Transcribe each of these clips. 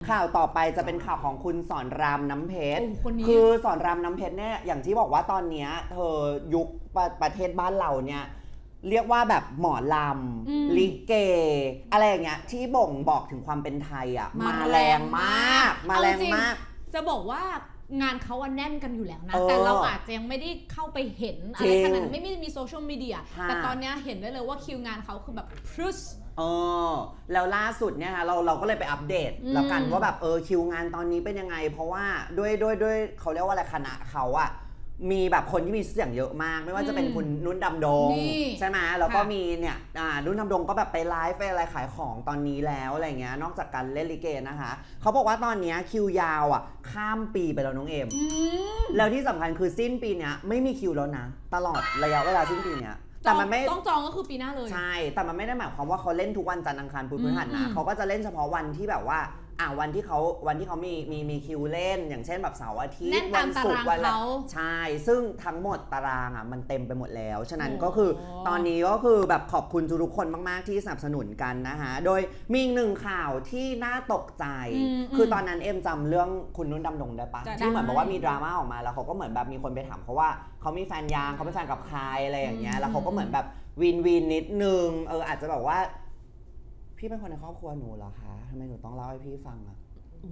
ข่าวต่อไปจะเป็นข่าวของคุณสอนรามน้ำเพชรคนนี้คือสอนรามน้ำเพชรเนี่ยอย่างที่บอกว่าตอนนี้เธอยุคประเทศบ้านเราเนี่ยเรียกว่าแบบหมอลำลิเกอะไรอย่างเงี้ยที่บ่งบอกถึงความเป็นไทยอ่ะมาแรงมากมาแรงมากจะบอกว่างานเขาแน่นกันอยู่แล้วนะแต่เราอาจจะยังไม่ได้เข้าไปเห็นอะไรขนาดนั้นไม่มีโซเชียลมีเดียแต่ตอนนี้เห็นได้เลยว่าคิวงานเขาคือแบบพรึสแล้วล่าสุดเนี่ยเราก็เลยไปอัปเดตแล้วกันว่าแบบคิวงานตอนนี้เป็นยังไงเพราะว่าด้วยเขาเรียกว่าอะไรคณะเขาอะมีแบบคนที่มีเสียงเยอะมากไม่ว่าจะเป็นคุณนุ่นดำดงใช่ไหมแล้วก็มีเนี่ยนุ่นดำดงก็แบบไปไลฟ์ไปอะไรขายของตอนนี้แล้วอะไรเงี้ยนอกจากการเล่นลิเกนะคะเขาบอกว่าตอนนี้คิวยาวอ่ะข้ามปีไปแล้วน้องเอมแล้วที่สำคัญคือสิ้นปีเนี้ยไม่มีคิวแล้วนะตลอดระยะเวลาสิ้นปีเนี้ยแต่มันไม่ต้องจองก็คือปีหน้าเลยใช่แต่มันไม่ได้หมายความว่าเขาเล่นทุกวันจันทร์อังคารพุธพฤหัสนะเขาก็จะเล่นเฉพาะวันที่แบบว่าวันที่เขามีคิวเล่นอย่างเช่นแบบเสาร์อาทิตย์วันศุกร์วันอะไรใช่ซึ่งทั้งหมดตารางมันเต็มไปหมดแล้วฉะนั้นก็คือตอนนี้ก็คือแบบขอบคุณทุกคนมากๆที่สนับสนุนกันนะคะโดยมีอีกหนึ่งข่าวที่น่าตกใจคือตอนนั้นเอ็มจำเรื่องคุณนุ่นดำดงได้ปะที่เหมือนบอกว่ามีดราม่าออกมาแล้วเขาก็เหมือนแบบมีคนไปถามเขาว่าเขามีแฟนยังเขาเป็นแฟนกับใครอะไรอย่างเงี้ยแล้วเขาก็เหมือนแบบวินนิดนึงอาจจะแบบว่าพี่เป็นคนในครอบครัวหนูเหรอคะทำไมหนูต้องเล่าให้พี่ฟังอะ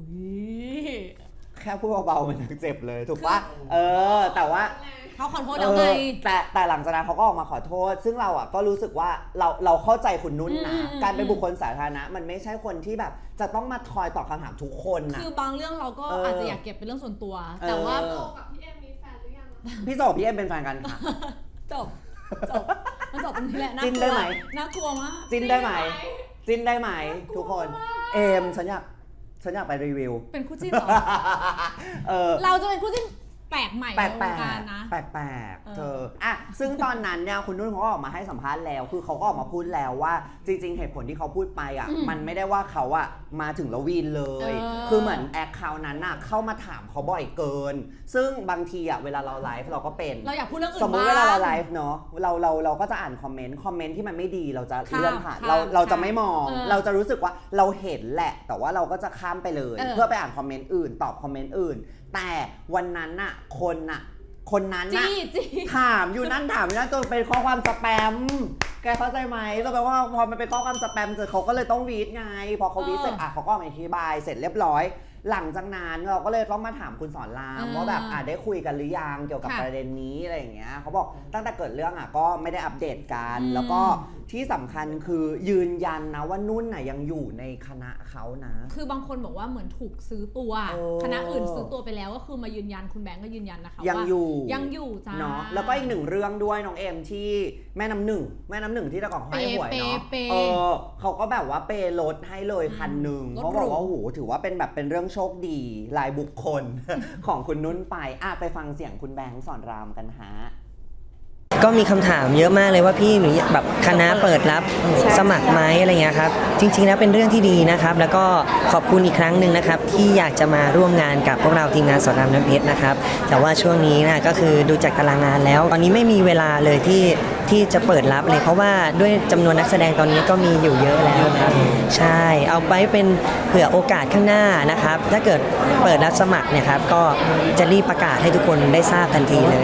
แค่พูดเบาๆมันยังเจ็บเลยถูกปะแต่ว่าเขาขอโทษแล้วไงแต่หลังจากนั้นเขาก็ออกมาขอโทษซึ่งเราก็รู้สึกว่าเราเข้าใจคุณนุ่นนะการเป็นบุคคลสาธารณะมันไม่ใช่คนที่แบบจะต้องมาคอยตอบคำถามทุกคนนะคือบางเรื่องเราก็อาจจะอยากเก็บเป็นเรื่องส่วนตัวแต่ว่าโจกับพี่เอ็มมีแฟนหรือยังพี่โจกับพี่เอ็มเป็นแฟนกันค่ะจบมันจบตรงนี้แหละจิ้นได้ไหมน่ากลัวมากจิ้นได้ไหมทุกคนเอมฉันอยากไปรีวิวเป็นคู่จิ้นเหรอเราจะเป็นคู่จิ้นแปลกใหม่ในวงการนะแปลกเธอซึ่งตอนนั้นเนี่ยคุณนุ่นเขาก็ออกมาให้สัมภาษณ์แล้วคือเขาก็ออกมาพูดแล้วว่าจริงๆเหตุผลที่เขาพูดไปมันไม่ได้ว่าเขามาถึงแล้ววีนเลยคือเหมือนแอคเคาท์นั้นเข้ามาถามเขาบ่อยเกินซึ่งบางทีเวลาเราไลฟ์เราก็เป็นเราอยากพูดเรื่องอื่นสมมติเวลาเราไลฟ์เนาะเราก็จะอ่านคอมเมนต์ที่มันไม่ดีเราจะเลื่อนผ่านเราจะไม่มองเราจะรู้สึกว่าเราเห็นแหละแต่ว่าเราก็จะข้ามไปเลยเพื่อไปอ่านคอมเมนต์อื่นตอบคอมเมนต์อื่นแต่วันนั้นคนนั้นถามอยู่นั่นจนเป็นข้อความสแปมแกเข้าใจไหมก็แปลว่าพอมันเป็นข้อความสแปมเจอเขาก็เลยต้องวีดไงพอเขาวีดเสร็จเขาก็อธิบายเสร็จเรียบร้อยหลังจากนั้นเราก็เลยต้องมาถามคุณสอนรามว่าแบบได้คุยกันหรือยังเกี่ยวกับประเด็นนี้อะไรอย่างเงี้ยเขาบอกตั้งแต่เกิดเรื่องก็ไม่ได้อัปเดตกันแล้วก็ที่สำคัญคือยืนยันนะว่านุ่นยังอยู่ในคณะเขานะคือบางคนบอกว่าเหมือนถูกซื้อตัวคณะอื่นซื้อตัวไปแล้วก็คือมายืนยันคุณแบงก์ก็ยืนยันนะคะว่ายังอยู่จ้าเนาะแล้วก็อีกหนึ่งเรื่องด้วยน้องเอ็มที่แม่น้ำหนึ่งที่ตะกอนให้หวยเนาะเขาก็แบบว่าเปรถให้เลยคันหนึ่งเขาบอกว่าโอ้โหถือว่าเป็นเรื่องโชคดีรายบุคคล ของคุณนุ่นไปฟังเสียงคุณแบงค์สอนรามกันฮะก็มีคำถามเยอะมากเลยว่าพี่หนูแบบคณะเปิดรับสมัครไหมอะไรเงี้ยครับจริงๆแล้วเป็นเรื่องที่ดีนะครับแล้วก็ขอบคุณอีกครั้งหนึ่งนะครับที่อยากจะมาร่วมงานกับพวกเราทีมงานสอนรามน้ำเพชรนะครับแต่ว่าช่วงนี้นะก็คือดูจากตารางงานแล้วตอนนี้ไม่มีเวลาเลยที่จะเปิดรับเลยเพราะว่าด้วยจำนวนนักแสดงตอนนี้ก็มีอยู่เยอะแล้วครับใช่เอาไปเป็นเผื่อโอกาสข้างหน้านะครับถ้าเกิดเปิดรับสมัครเนี่ยครับก็จะรีบประกาศให้ทุกคนได้ทราบทันทีเลย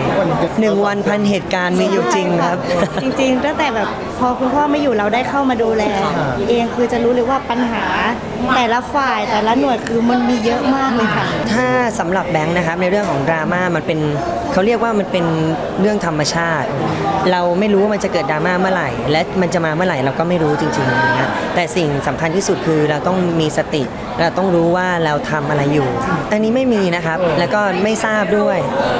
1 วันพันเหตุการณ์มีอยู่จริงครับจริงๆตั้งแต่แบบพอคุณพ่อไม่อยู่เราได้เข้ามาดูแลเองคือจะรู้เลยว่าปัญหาแต่ละฝ่ายแต่ละหน่วยคือมันมีเยอะมากเลยค่ะถ้าสำหรับแบงค์นะครับในเรื่องของดราม่ามันเป็นเขาเรียกว่ามันเป็นเรื่องธรรมชาติเราไม่รู้ว่ามันจะเกิดดราม่าเมื่อไหร่และมันจะมาเมื่อไหร่เราก็ไม่รู้จริงๆนะแต่สิ่งสำคัญที่สุดคือเราต้องมีสติเราต้องรู้ว่าเราทำอะไรอยู่อันนี้ไม่มีนะครับแล้วก็ไม่ทราบด้วย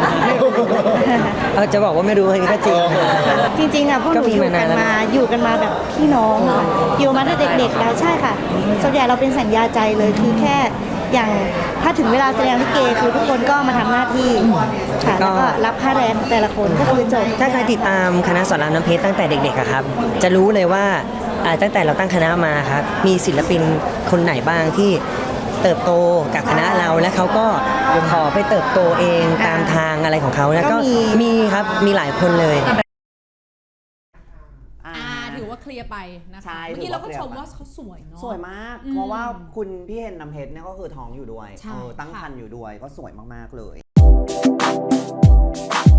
จะบอกว่าไม่รู้อันนี้ก็จริงจริงพวกหนูอยู่กันมาแบบพี่น้องอยู่มาตั้งแต่เด็กๆแล้วใช่ค่ะส่วนใหญ่เราเป็นสัญญาใจเลยคือแค่อย่างถ้าถึงเวลาแสดงลิเกคือทุกคนก็มาทำหน้าที่ค่ะแล้วก็รับค่าแรงแต่ละคนก็คือจบถ้าใครติดตามคณะสอนรามน้ำเพชรตั้งแต่เด็กๆครับจะรู้เลยว่าตั้งแต่เราตั้งคณะมาครับมีศิลปินคนไหนบ้างที่เติบโตกับคณะเราและเขาก็ขอไปเติบโตเองตามทางอะไรของเขาแล้วก็มีครับมีหลายคนเลยเคลียร์ไปนะคะใช่เมื่อกี้เราก็ถือว่าชมว่าเขาสวยเนาะสวยมาก เพราะว่าคุณพี่เฮนน้ำเพชรเนี่ยก็คือท้องอยู่ด้วยใช่ตั้งค่ะครรภ์อยู่ด้วยก็สวยมากๆเลย